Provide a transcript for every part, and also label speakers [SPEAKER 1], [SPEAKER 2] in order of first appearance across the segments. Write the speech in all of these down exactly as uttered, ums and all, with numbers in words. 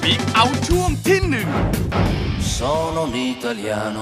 [SPEAKER 1] บิ๊กเอาช่วงที่หนึ่ง
[SPEAKER 2] Sono un italiano.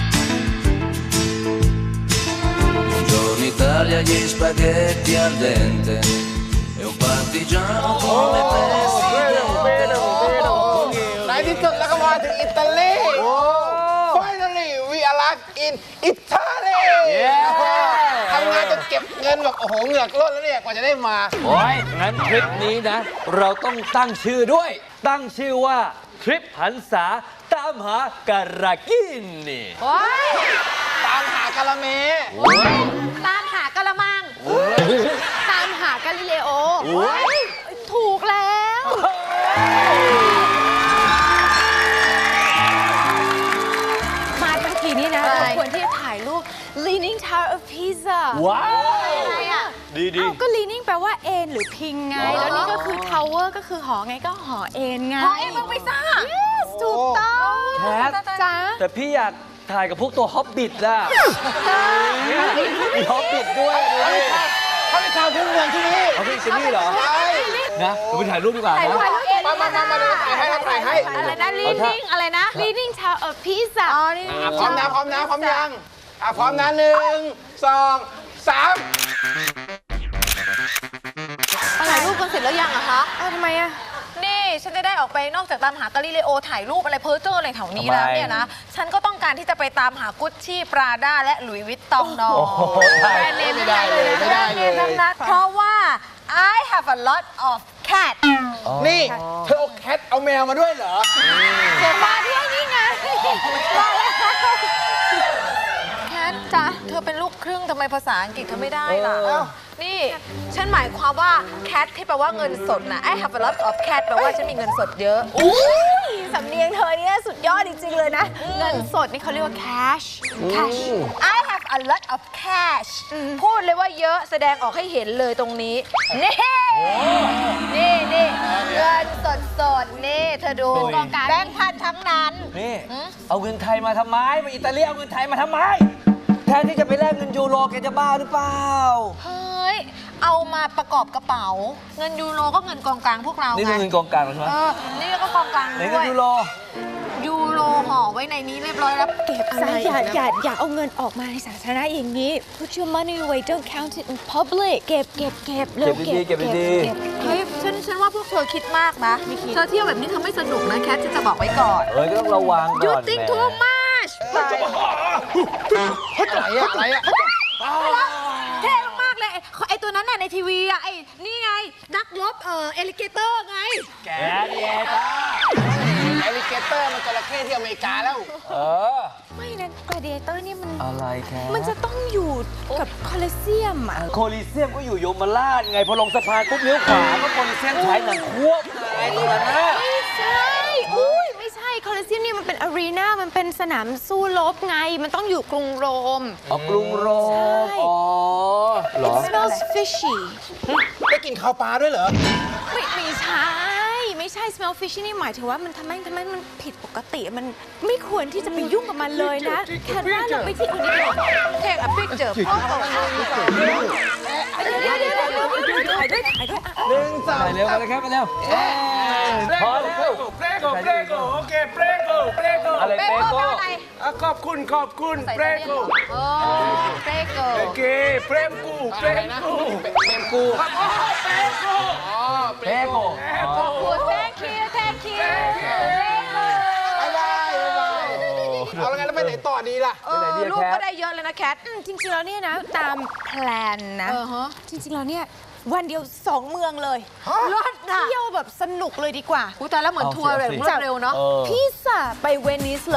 [SPEAKER 2] Buongiorno Italia, gli spaghetti al dente. E un partigiano come presidente.
[SPEAKER 3] ในที่สุดแล้วก็มาถึงอิตาลี Finally we arrive in Italy ทำงานจนเก็บเงินแบบโอ้โหเหงือกล้นแล้วเนี่ยกว่าจะได้มา
[SPEAKER 4] โอ้ยงั้นทริปนี้นะ เราต้องตั้งชื่อด้วย ตั้งชื่อว่าทริปหันษาตามหาการากินนี่
[SPEAKER 5] โอ้ย
[SPEAKER 3] ตามหากาละเม
[SPEAKER 5] ตามหากะละมัง ตามหากาลิเลโอ ถูกแล้ว มาทั้งทีนี้นะ เราควรที่จะถ่ายรูป Leaning Tower of Pisa
[SPEAKER 4] ว้าว
[SPEAKER 5] อะไรอ่ะ
[SPEAKER 4] ดีดี
[SPEAKER 5] เอ้าก็ leaning แปลว่าเอนหรือพิงไง แล้วนี่ก็คือ tower ก็คือหอไงก็หอเอนไง
[SPEAKER 6] หอเอ็นเมืองปิซ่า
[SPEAKER 5] yes ถูกต้อง
[SPEAKER 4] แคท
[SPEAKER 5] จ้า
[SPEAKER 4] แต่พี่อยากถ่ายกับพวกตัวฮอบบิทอะเนี่ยมีฮอบบิทด้วยดูดิ
[SPEAKER 3] เขาเป็นชาวพื้นเมืองที่นี่
[SPEAKER 4] เอาพี่ซินี่เหรอ
[SPEAKER 3] ใช่
[SPEAKER 4] นะเราไปถ่ายรูปดีกว่านะ
[SPEAKER 3] มามามามาถ่ายให้ถ่ายให้
[SPEAKER 5] อะไรนะ leaning อะไรนะ leaning tower of Pisa อ๋อนี่
[SPEAKER 3] อ่ะพร้อมนะพร้อมนะพร้อมยังอ่ะพร้อมนะหนึ่งสองสาม
[SPEAKER 6] ถ่ายรูปกันเสร็จแล้วยังอะคะ
[SPEAKER 5] เอ้าทำไมอะ
[SPEAKER 6] นี่ฉันจะได้ออกไปนอกจากตามหากาลิเลโอถ่ายรูปอะไรเพ้อเจ้ออะไรแถวนี้แล้วเนี่ยนะ ฉันก็ต้องการที่จะไปตามหากุชชี่ปราด้าและหลุยส์วิตตองนอง
[SPEAKER 4] โอ้โห
[SPEAKER 6] แบรนด์เนม
[SPEAKER 3] ไม่ได้เลยไม่ได้เลย
[SPEAKER 6] ทั้งนั้นเพราะว่า I have a lot of cat
[SPEAKER 3] นี่เธอเอาแคทเอาแมวมาด้วยเหรอ
[SPEAKER 6] เดี๋ยวมาที่นี่ไงมาแล้วแคทจ๊ะเธอเป็นลูกครึ่งทำไมภาษาอังกฤษเธอไม่ได้ล่ะ
[SPEAKER 4] เออ
[SPEAKER 6] นี่ ฉันหมายความว่า cat ที่แปลว่าเงินสดนะ I have a lot of cat แปลว่าฉันมีเงินสดเยอะ
[SPEAKER 5] อุ้ยสำเนียงเธอเนี่ยสุดยอดจริงๆเลยนะ เงินสดนี่เขาเรียกว่า cash cash
[SPEAKER 6] I have a lot of cash พูดเลยว่าเยอะแสดงออกให้เห็นเลยตรงนี้ นี่ นี่นี่เงินสดสดๆนี่เธอดู
[SPEAKER 5] เป็นกองกลาง
[SPEAKER 6] แบงค์พันทั้งนั้น
[SPEAKER 4] นี่เอาเงินไทยมาทำไมมาอิตาลีเอาเงินไทยมาทำไมแทนที่จะไปแลกเงินยูโรแกจะบ้าหรือเปล่า
[SPEAKER 6] เฮ้ย เอามาประกอบกระเป๋า เงินยูโรก็เงินกองกลางพวกเรา
[SPEAKER 4] นี่
[SPEAKER 6] ไง
[SPEAKER 4] คือเงินกองกลางใช่ไหม
[SPEAKER 6] เออ นี่ก็กองกลาง
[SPEAKER 4] ไหน
[SPEAKER 6] ด้
[SPEAKER 4] เงิ
[SPEAKER 6] วน ย
[SPEAKER 4] ยูโร
[SPEAKER 6] ยูโรห่อไว้ในนี้เรียบร้อยแล้ว
[SPEAKER 5] เก็บซะอย่าอย่าอย่าเอาเงินออกมาในสาธารณะอย่างนี้ Put your money away don't count it in public เก็บเก็บเก็บเร็ว
[SPEAKER 4] เก็บดีๆเก็บดี
[SPEAKER 5] เก็บ
[SPEAKER 6] เฮ้ยฉันฉันว่าพวกเธอคิดมากนะ เธอเที่ยวแบบนี้เธอไม่สนุกนะแคทจะจะบอกไว้ก่อน
[SPEAKER 4] เอ้ยก็ต้องระวังก่อน
[SPEAKER 6] You think
[SPEAKER 4] แหม
[SPEAKER 6] too much
[SPEAKER 3] อะไรอะอะไรอะ
[SPEAKER 6] เท่มากเลยไอ้ไอตัวนั้นน่ะในทีวีอะไอนี่ไง นักรบเอ่อเอลิเกเตอร์ไง
[SPEAKER 4] แกเนี่ยจ้า
[SPEAKER 3] แอลิเกเตอร์มันจระเข้ที่อเมริกาแล้ว
[SPEAKER 4] เออ
[SPEAKER 5] ไม่นะ gladiator นี่มัน
[SPEAKER 4] อะไรแค่
[SPEAKER 5] มันจะต้องอยู่กับคอลเซียมอ่ะ
[SPEAKER 4] โคลิเซียมก็อยู่โยมราชไงพอลงสะพานปุ๊บเลี้ยวขวาก็โคลิเซียมฉายหนังควบไงตรงนั้นนะ
[SPEAKER 5] ไม่ใช่อุ้ยไม่ใช่คอลเซียมนี่มันเป็นอารีนามันเป็นสนามสู้รบไง มันต้องอยู่กรุงโรม
[SPEAKER 4] อ๋อกรุงโรม
[SPEAKER 5] ใช่
[SPEAKER 4] อ๋อเหรอ
[SPEAKER 5] It smells fishy
[SPEAKER 3] ได้กินข้าวปลาด้วยเหรอ
[SPEAKER 5] ไม่ไม่ใช่ ไม่ใช่ smell fishy นี่หมายถึงว่ามันทำไมทำไมมันผิดปกติ มันไม่ควรที่จะไปยุ่งกับมันเลยนะ แค่ว่าเราไปที่อื่นดีกว่า
[SPEAKER 6] Take a picture โอ้โห
[SPEAKER 5] เดี๋ยวเดี๋ยวเดี๋ยวเดี๋ยวเดี๋ยวถ่ายด้วยถ่ายด้วยอ่ะ
[SPEAKER 3] หนึ่งสอง
[SPEAKER 4] ไปเร็วไปเลยครับไปเร็วพอแล้ว
[SPEAKER 7] เปรโกเปรโกโอเคเปรโกเปรโก
[SPEAKER 4] อะไร
[SPEAKER 6] เป
[SPEAKER 4] เป
[SPEAKER 6] โก้
[SPEAKER 4] โก้
[SPEAKER 6] แปลว่าอะไร
[SPEAKER 7] อ่ะขอบคุณขอบคุณเปรโก
[SPEAKER 6] โอ้เปโก้
[SPEAKER 7] โอเคเปรมกูเปรมกู
[SPEAKER 3] เป็นกู
[SPEAKER 7] เปรโก
[SPEAKER 3] อ๋อ
[SPEAKER 4] เปโก้
[SPEAKER 6] ขอบคุณ thank you thank you
[SPEAKER 3] บายบายบายบายเอาแล้วไงแล้วไปไหนต่อดีล่ะ
[SPEAKER 6] เออลูกก็ได้เยอะเลยนะแคท
[SPEAKER 5] อืมจริงๆแล้วเนี่ยนะ ตามแพลนนะ
[SPEAKER 6] เออฮะ
[SPEAKER 5] จริงๆแล้วเนี่ย วันเดียวสองเมืองเลย
[SPEAKER 6] รถน่ะ
[SPEAKER 5] เที่ยวแบบสนุกเลยดีกว่า
[SPEAKER 6] กูตายแล้วเหมือนทัวร์แบบรวดเร็วเนาะ
[SPEAKER 4] ออ
[SPEAKER 5] พิซซ่าไปเวนิสเลย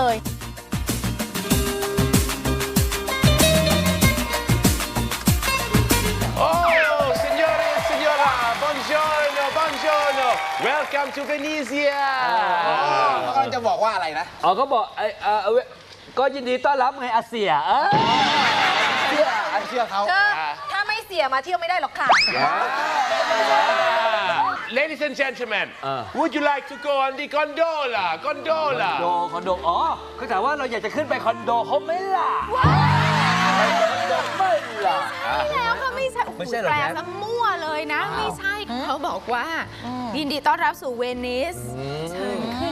[SPEAKER 7] โอ้ signore e signora buongiorno buongiorno welcome to Venezia
[SPEAKER 3] เขากำลังจะบอกว่าอะไรนะ
[SPEAKER 4] อ๋อก็บอกไอ้เออเว้ยก็ยินดีต้อนรับไงอาเซียเออ
[SPEAKER 3] เชื่ออันเชื่อเขา
[SPEAKER 6] เธอถ้าไม่เสียมาเที่ยวไม่ได้หรอกค่ะ
[SPEAKER 7] Ladies and gentlemen would you like to go on the gondola gondola
[SPEAKER 4] คอนโดคอนโดอ๋อเขาถามว่าเราอยากจะขึ้นไปคอนโดเขาไหม่ล่ะไม่ล่ะ
[SPEAKER 5] แล้วก็ไม่ใช่
[SPEAKER 4] ไม่ใช่เหรอ
[SPEAKER 5] แปล
[SPEAKER 4] แพท
[SPEAKER 5] ซะมั่วเลยนะ ไม่ใช่เขาบอกว่า ยินดีต้อนรับสู่เวนิสเชิญขึ้น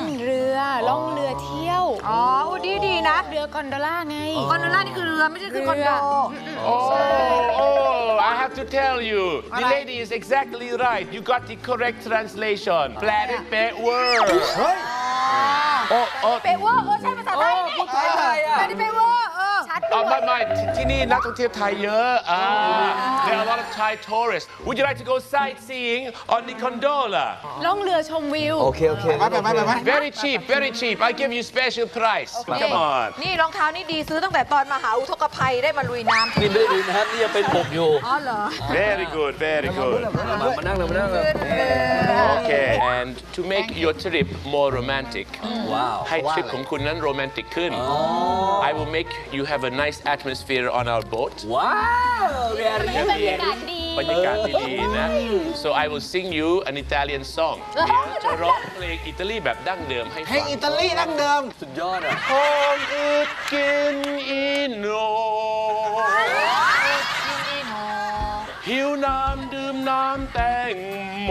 [SPEAKER 5] กอนโดล่าไง
[SPEAKER 6] คอนโดล่านี่คือเรือไม่ใช่คือคอนโด
[SPEAKER 7] Oh, oh, I have to tell you, the lady is exactly right. You got the correct translation. แปลได้เป๊ะเวอร์โอ้โอ้
[SPEAKER 6] เปเวอร์เออใช่ภาษาไทยนี่
[SPEAKER 4] พูดไทยไทยอ่ะ
[SPEAKER 6] แปลได้เปเวอร์เออชัด
[SPEAKER 7] อ๋อไม่ไม่ที่ที่นี่นักท่องเที่ยวไทยเยอะอ่า There are a lot of Thai tourists. Would you like to go sightseeing on the gondola?
[SPEAKER 5] ล่องเรือชมวิว
[SPEAKER 4] โอเค โอเค
[SPEAKER 3] ไปไปไปไป
[SPEAKER 7] Very cheap, very cheap. I give you special price. Come on.
[SPEAKER 6] นี่รองเท้านี่ดีซื้อตั้งแต่ตอนมหาอุทกภัยได้มาลุยน้ำ
[SPEAKER 4] นี่ไม่ได้ดูนะครับนี่ยังเป็นปกอยู่
[SPEAKER 6] อ๋อเหรอ
[SPEAKER 7] Very good, very good.
[SPEAKER 4] มามานั่งเลยมานั่งเลย
[SPEAKER 7] Okay, and to make your trip more romantic,
[SPEAKER 4] ว้าว
[SPEAKER 7] ให้ทริปของคุณนั้นโรแมนติกขึ้น I will make you have a nice atmosphere on our boat.
[SPEAKER 4] ว้าว very
[SPEAKER 5] บรรยากาศดี
[SPEAKER 7] บรรยากาศดีๆนะ So I will sing you an Italian song เดี๋ยวจะร้องเพลงอิตาลีแบบดั้งเดิมให้
[SPEAKER 3] เพล
[SPEAKER 7] ฟั
[SPEAKER 3] ง
[SPEAKER 7] ง
[SPEAKER 3] อิตาลีดั้งเดิม
[SPEAKER 4] สุดยอดอ่ะ
[SPEAKER 7] Con ut gin ino หิวน้ำดื่มน้ำแตงโม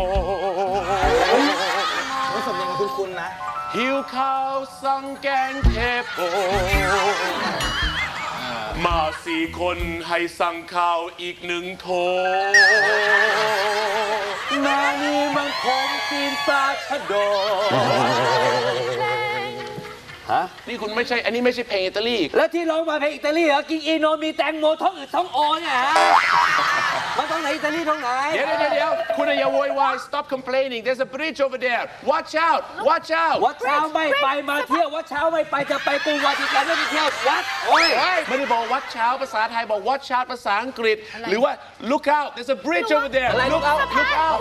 [SPEAKER 3] รู้สำเนียงคุณคุณนะ
[SPEAKER 7] หิวข้าวสั่งแกงเทโปมาสี่คนให้สั่งข้าวอีกหนึ่งโถ
[SPEAKER 4] มานี่มันผมตีนปลาชะโดฮะ
[SPEAKER 7] นี่คุณไม่ใช่ อันนี้ไม่ใช่เพลงอิตาลี
[SPEAKER 4] แล้วที่ร้องมาเพลงอิตาลีเหรอ กินอีโนมีแตงโมท้องอืดท้องโอเนี่ยฮะมาท้องไหนอิตาลีท้องไหน
[SPEAKER 7] เดี๋ยวเดี๋ยวเดี๋ยวคุณอย่าโวยวาย stop complaining there's a bridge over there watch out watch out
[SPEAKER 4] วัดเช้าไม่ไปมาเที่ยววัดเช้าไม่ไปจะไปกรุงวาติกันไม่ไปเที่ยววัดโอ้ย
[SPEAKER 7] เฮ้ยไม่ได้บอกวัดเช้าภาษาไทยบอก watch out ภาษาอังกฤษ หรือว่า look out there's a bridge over there
[SPEAKER 4] อะไร
[SPEAKER 7] look out look out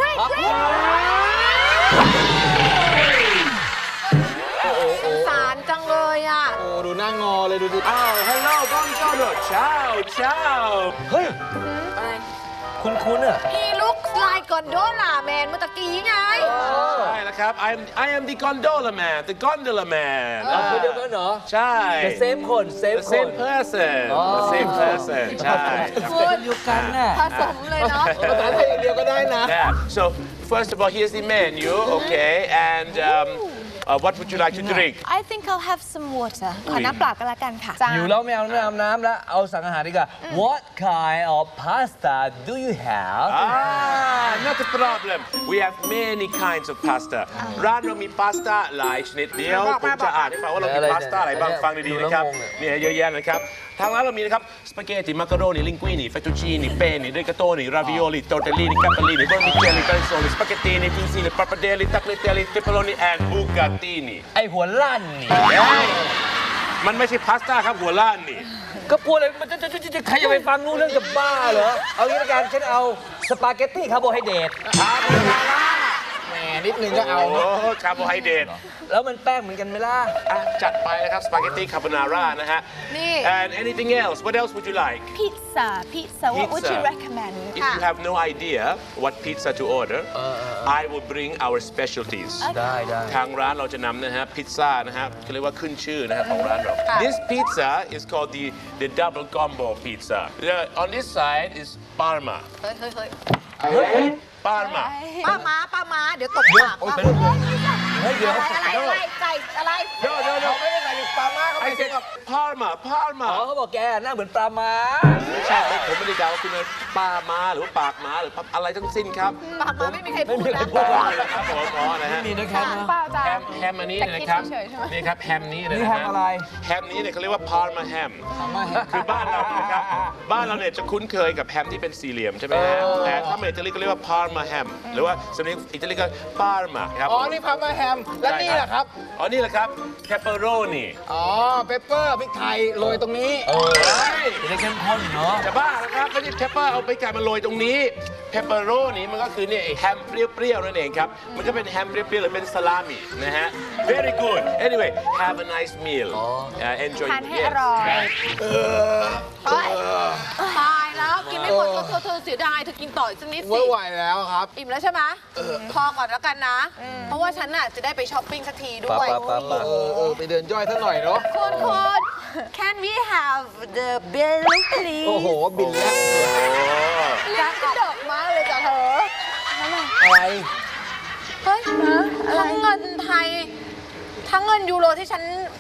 [SPEAKER 6] สงสารจังเลยอ่ะ
[SPEAKER 3] โอ้ดูหน้างอเลยดูดิ
[SPEAKER 7] อ้าว hello buongiorno ciao ciao
[SPEAKER 4] เฮ้ย
[SPEAKER 6] อะไร
[SPEAKER 4] คุณคุณอ่ะ
[SPEAKER 6] He looks like Gondola Man เมื่อตะกี้ไง
[SPEAKER 7] ใช่แล้วครับ I am I am the gondola man the gondola man
[SPEAKER 4] เราคนเดียวกันเหรอ
[SPEAKER 7] ใช่
[SPEAKER 4] The same คน same
[SPEAKER 7] the
[SPEAKER 4] คน
[SPEAKER 7] same person the same person ใช่
[SPEAKER 4] คนเดียวกันน่ะ
[SPEAKER 6] ผสมเลยเนาะ
[SPEAKER 3] ภาษาไทยอย่างเดียวก็ได้นะ
[SPEAKER 7] Yeah. So first of all, here's the menu, okay? And um, uh, what would you like to drink?
[SPEAKER 5] I think I'll have some water ขอน้ำเปล่ากันละกันค่ะ
[SPEAKER 4] อยู่แล้วไม่เอาไม่เอาน้ำแล้ว เอาสั่งอาหารดีกว่า What kind of pasta do you have
[SPEAKER 7] Ah, not a problem. We have many kinds of pasta. ร้านเรามีพาสต้าหลายชนิดเดียวผมจะอ่านให้ฟังว่าเรามีพาสต้าอะไรบ้างฟังดีๆนะครับเนี่ยเยอะแยะนะครับทางร้านเรามีนะครับสปาเกตติมักกะโรนีลิงกุินีเฟตตูชินีเปนีเรกาโตนีราวิโอลีโตเตลลีนีกัปเปลีนีโบนิเกลีเปนโซลีสปาเกตตีนีฟินซีนีปาปาเดลีตักเลเตลีเปปโรนีแอนบูกาตินี
[SPEAKER 4] ไอหัวลั่นนี่
[SPEAKER 7] มันไม่ใช่พาสต้าครับหัวล้านนี่
[SPEAKER 4] ก็พูดเลยมันจะจะจะจะใครจะไปฟังรู้เรื่องจะบ้าเหรอ เอางี้ละกันฉันเอาสปาเกตตี้คาร์โบไฮเดรต
[SPEAKER 3] แหมนิดนึงก็เอา
[SPEAKER 7] โอ้คาร์โบไฮเดรต
[SPEAKER 4] แล้วมันแป้งเหมือนกันไหมล่ะ
[SPEAKER 7] อ่ะจัดไปนะครับสปาเกตตี้คาโบนาร่านะฮะ
[SPEAKER 6] นี่
[SPEAKER 7] and anything else what else would you like
[SPEAKER 5] pizza pizza what would you
[SPEAKER 7] Pizza.
[SPEAKER 5] recommend
[SPEAKER 7] if you have no idea what pizza to order I will bring our specialties
[SPEAKER 4] ได้ได้
[SPEAKER 7] ทางร้านเราจะนำนะฮะพิซซ่านะฮะเขาเรียกว่าขึ้นชื่อนะฮะของร้านเรา This pizza is called the the double combo pizza the, on this side is Parma
[SPEAKER 6] เฮ้ยเฮ้ยเฮ้ย
[SPEAKER 7] Parma
[SPEAKER 6] ป้าม้าป้าม้าเดี๋ยวตบปากป้า
[SPEAKER 4] เฮ้ยเดี๋ยว
[SPEAKER 6] อะไรอะไรอะไรไก่อะไร
[SPEAKER 7] no no no
[SPEAKER 3] ไม่ได้ใส่ปลาม่าเขา
[SPEAKER 7] I
[SPEAKER 3] ไม่ใส่
[SPEAKER 7] said Parma
[SPEAKER 4] อ๋อ
[SPEAKER 7] Parma
[SPEAKER 4] เขาบอกแกหน้าเหมือนปลาม้า
[SPEAKER 7] ไม่ใช่ผมไม่ได้ด่าว่าคุณเป็นปลาม้าหรือว่าปากม้าหรืออะไรทั้งสิ้นครับ
[SPEAKER 6] ปากม้าไม่มีใครพูดนะ
[SPEAKER 7] พูดเลยครับผมอ๋อนะฮะ
[SPEAKER 4] มีนะครับ
[SPEAKER 5] เปล่าจ้ะ
[SPEAKER 7] แฮมแฮมอันนี้เนี่ยนะครับ
[SPEAKER 5] แต่คิดเฉยๆใช่ไหม
[SPEAKER 7] นี่ครับแฮมนี้นะ
[SPEAKER 4] นี่แฮมอะไร
[SPEAKER 7] แฮมนี้เนี่ยเขาเรียกว่าพาร์มาแฮมคือบ้านเราเนี่ยนะครับบ้านเราเนี่ยจะคุ้นเคยกับแฮมที่เป็นสี่เหลี่ยมใช่ไหมฮะแต่ถ้าเป็นอิตาลีก็เรียกว่าพาร์มาแฮมหรือว่าสำเนียงอิตาลีก็ปาร์มาครับ
[SPEAKER 3] อ๋อ นี่พามาแฮม และนี่แหละครับ
[SPEAKER 7] อ๋อนี่แหละครับเพปเปอโรนี
[SPEAKER 3] อ๋อ เปปเปอร์พริกไทยโรยตรงนี้
[SPEAKER 4] เออจะได้เข้มข้นเนาะ
[SPEAKER 7] จะบ้านะครับไม่ใช่เพปเปอร์เอาไปไก่มาโรยตรงนี้เพปเปอโรนีมันก็คือเนี่ยไอ้แฮมเปรี้ยวๆนั่นเองครับมันก็เป็นแฮมเปรี้ยวๆหรือเป็นสลามินะฮะ very good anyway have a nice meal uh, enjoy
[SPEAKER 5] ทานให้อร่อย
[SPEAKER 6] เฮ้ยตายแล้วกินไม่หมดก็เธอเธอเสียดายเธอกินต่ออีกสักนิดสิ
[SPEAKER 3] ไม่ไหวแล้วครับ
[SPEAKER 6] อิ่มแล้วใช่ไหมพอก่อนแล้วกันนะ เพราะว่าฉันน่ะจะได้ไปช้อปปิ้งสักทีด้วย
[SPEAKER 4] ปะปะปะ
[SPEAKER 3] เออเออไปเดินย่อยซะหน่อยเนาะ
[SPEAKER 6] คุณคุณ Can we have the bill please
[SPEAKER 3] โอ้โห บินแล้ว
[SPEAKER 6] ร้านกระดกมากเลยจ้ะเธอ
[SPEAKER 3] อะไร
[SPEAKER 6] เฮ้ยทั้งเงินไทย ทั้งเงินยูโรที่ฉัน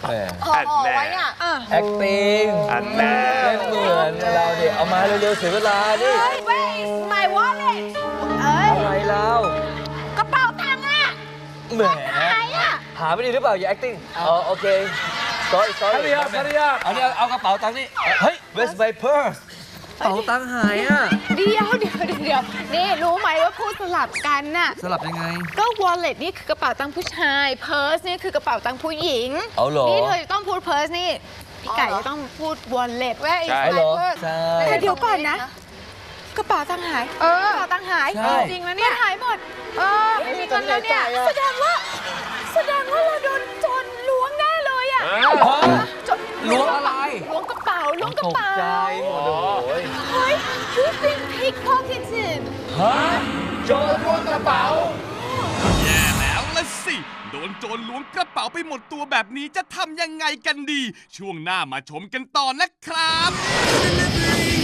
[SPEAKER 4] แหม
[SPEAKER 6] ห่อห่อไว้อ่ะ
[SPEAKER 4] acting
[SPEAKER 7] อันแน่
[SPEAKER 4] เล่นเหมือนเราเดี๋ยวเอามาเร็วๆเสียเวลาดิ
[SPEAKER 6] เฮ้ย where is my wallet เอ้ย
[SPEAKER 4] อะไรแล้ว
[SPEAKER 6] กระเป๋าตังค์อ่ะ
[SPEAKER 4] แหม
[SPEAKER 6] หายอ่ะ
[SPEAKER 4] หาไม่ดีหรือเปล่าอย่า acting อ๋อโอเค sorry sorry
[SPEAKER 7] ภรรยาภรรยา
[SPEAKER 4] เอาเนี่ยเอากระเป๋าตังค์นี่เฮ้ย where's my purse กระเป๋าตังค์หายอ่ะ
[SPEAKER 5] เดี๋ยวเดี๋ยวเดี๋ยวนี่รู้ไหมว่าพูดสลับกันน่ะ
[SPEAKER 4] สลับยังไง
[SPEAKER 5] ก็ wallet นี่คือกระเป๋าตังค์ผู้ชาย purse นี่คือกระเป๋าตังค์ผู้หญิง
[SPEAKER 4] เอาเหรอ
[SPEAKER 5] นี่เธอจะต้องพูด purse นี่ พี่ไก่จะต้องพูด wallet
[SPEAKER 6] where is
[SPEAKER 7] ใช่
[SPEAKER 6] my
[SPEAKER 4] เหรอ
[SPEAKER 6] purse
[SPEAKER 4] ใช่
[SPEAKER 5] แต่เดี๋ยวก่อนนะ กระเป๋าตังค์หาย
[SPEAKER 6] เออ
[SPEAKER 5] กระเป๋าตังค์หาย
[SPEAKER 4] ใช่
[SPEAKER 5] จริงๆแล้วเนี่ยหายหมด
[SPEAKER 6] เออไม่มีเงินแล้วเนี่ย
[SPEAKER 5] แสดงว่า แสดงว่าเราโดนโจรล้วงแน่เลยอ่ะ โจร
[SPEAKER 4] ล้วงอะไร
[SPEAKER 5] ล้วงกระเป๋าล้วงกระ
[SPEAKER 4] ตก
[SPEAKER 5] เป๋า
[SPEAKER 4] ใจหมดโอ้ย
[SPEAKER 5] เฮ้ย we've been pickpocketed
[SPEAKER 4] ฮะโจรล้วงกระเป๋า
[SPEAKER 1] แย่แล้วละสิ โดนโจรล้วงกระเป๋าไปหมดตัวแบบนี้จะทำยังไงกันดี ช่วงหน้ามาชมกันต่อนะครับ